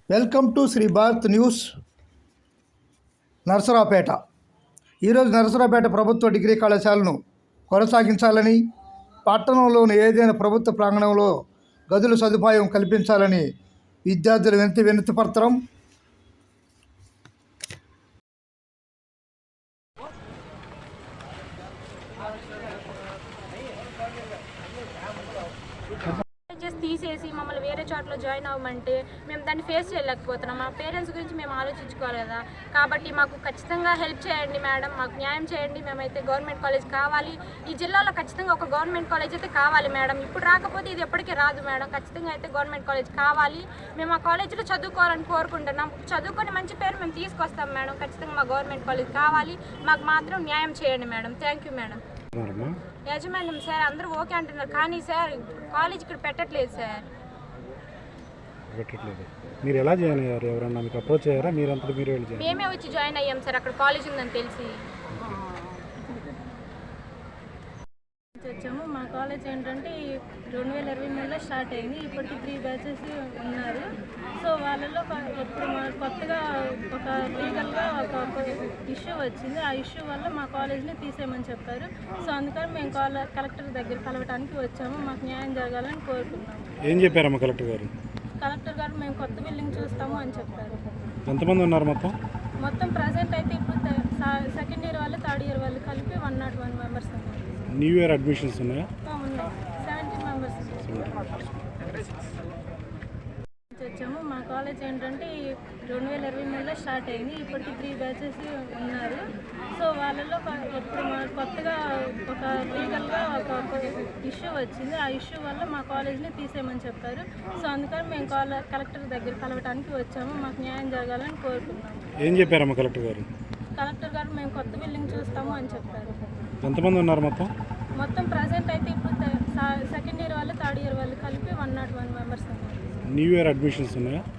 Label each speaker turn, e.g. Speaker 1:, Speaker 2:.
Speaker 1: Welcome to Shri Bharat news. Narasaraopet. ఈరోజు నరసరావుపేట ప్రభుత్వ degree కళాశాలను కొనసాగించాలని, పట్టణంలోని ఏదైనా ప్రభుత్వ ప్రాంగణంలో గదుల సదుపాయం కల్పించాలని విద్యార్థుల వినతి పత్రం
Speaker 2: తీసేసి మమ్మల్ని వేరే చోట్ల జాయిన్ అవ్వమంటే మేము దాన్ని ఫేస్ చేయలేకపోతున్నాం. మా పేరెంట్స్ గురించి మేము ఆలోచించుకోవాలి కదా. కాబట్టి మాకు ఖచ్చితంగా హెల్ప్ చేయండి మేడం, మాకు న్యాయం చేయండి. మేమైతే గవర్నమెంట్ కాలేజ్ కావాలి. ఈ జిల్లాలో ఖచ్చితంగా ఒక గవర్నమెంట్ కాలేజ్ అయితే కావాలి మేడం. ఇప్పుడు రాకపోతే ఇది ఎప్పటికీ రాదు మేడం. ఖచ్చితంగా అయితే గవర్నమెంట్ కాలేజ్ కావాలి. మేము ఆ కాలేజీలో చదువుకోవాలని కోరుకుంటున్నాం. చదువుకొని మంచి పేరు మేము తీసుకొస్తాం మేడం. ఖచ్చితంగా మా గవర్నమెంట్ కాలేజ్ కావాలి. మాకు మాత్రం న్యాయం చేయండి మేడం. Thank you madam. యాజమాన్యం సార్ అందరూ ఓకే అంటున్నారు, కానీ సార్ కాలేజ్ ఇక్కడ పెట్టట్లేదు సార్.
Speaker 3: మీరు ఎలా జాయిన్ అయ్యారు? ఎవరన్నా మీకు అప్రోచ్ అయ్యారా? మీరంతా మీరు వెళ్ళి
Speaker 2: మేమే వచ్చి జాయిన్ అయ్యాం సార్. అక్కడ కాలేజ్ ఉందని తెలిసి
Speaker 4: వచ్చాము. మా కాలేజ్ ఏంటంటే 2023లో స్టార్ట్ అయింది. ఇప్పటికి 3 బ్యాచెస్ ఉన్నారు. సో వాళ్ళలో ఇప్పుడు కొత్తగా ఒక లీగల్గా ఒక ఇష్యూ వచ్చింది. ఆ ఇష్యూ వల్ల మా కాలేజ్ని తీసేయమని చెప్పారు. సో అందుకని మేము కలెక్టర్ దగ్గర కలవడానికి వచ్చాము. మాకు న్యాయం జరగాలని కోరుకున్నాము.
Speaker 3: ఏం చెప్పారమ్మా కలెక్టర్ గారు?
Speaker 4: కలెక్టర్ గారు మేము కొత్త బిల్డింగ్ చూస్తాము అని చెప్పారు.
Speaker 3: ఎంతమంది ఉన్నారు
Speaker 4: మొత్తం ప్రజెంట్ అయితే ఇప్పుడు సెకండ్ ఇయర్ వాళ్ళు, థర్డ్ ఇయర్ వాళ్ళు కలిపి 101 మెంబర్స్ ఉన్నారు.
Speaker 3: న్యూ ఇయర్ అడ్మిషన్స్ ఉన్నాయా?
Speaker 4: ఉన్నాయి. 17 మెంబర్స్ వచ్చాము. మా కాలేజ్ ఏంటంటే 2023లో స్టార్ట్ అయింది. ఇప్పటికి 3 బ్యాచెస్ ఉన్నారు. సో వాళ్ళలో ఇప్పుడు కొత్తగా ఒక లీగల్గా ఒక ఇష్యూ వచ్చింది. ఆ ఇష్యూ వల్ల మా కాలేజ్ని తీసేయమని చెప్పారు. సో అందుకని మేము కలెక్టర్ దగ్గర కలవడానికి వచ్చాము. మాకు న్యాయం జరగాలని కోరుకున్నాము.
Speaker 3: ఏం చెప్పారమ్మా కలెక్టర్ గారు?
Speaker 4: కలెక్టర్ గారు మేము కొత్త బిల్డింగ్ చూస్తాము అని చెప్పారు.
Speaker 3: ఎంతమంది ఉన్నారు
Speaker 4: మొత్తం ప్రజెంట్ అయితే ఇప్పుడు సెకండ్ ఇయర్ వాళ్ళు, థర్డ్ ఇయర్ వాళ్ళు కలిపి 101 మెంబర్స్ ఉన్నారు.
Speaker 3: న్యూ ఇయర్ అడ్మిషన్స్ ఉన్నాయా?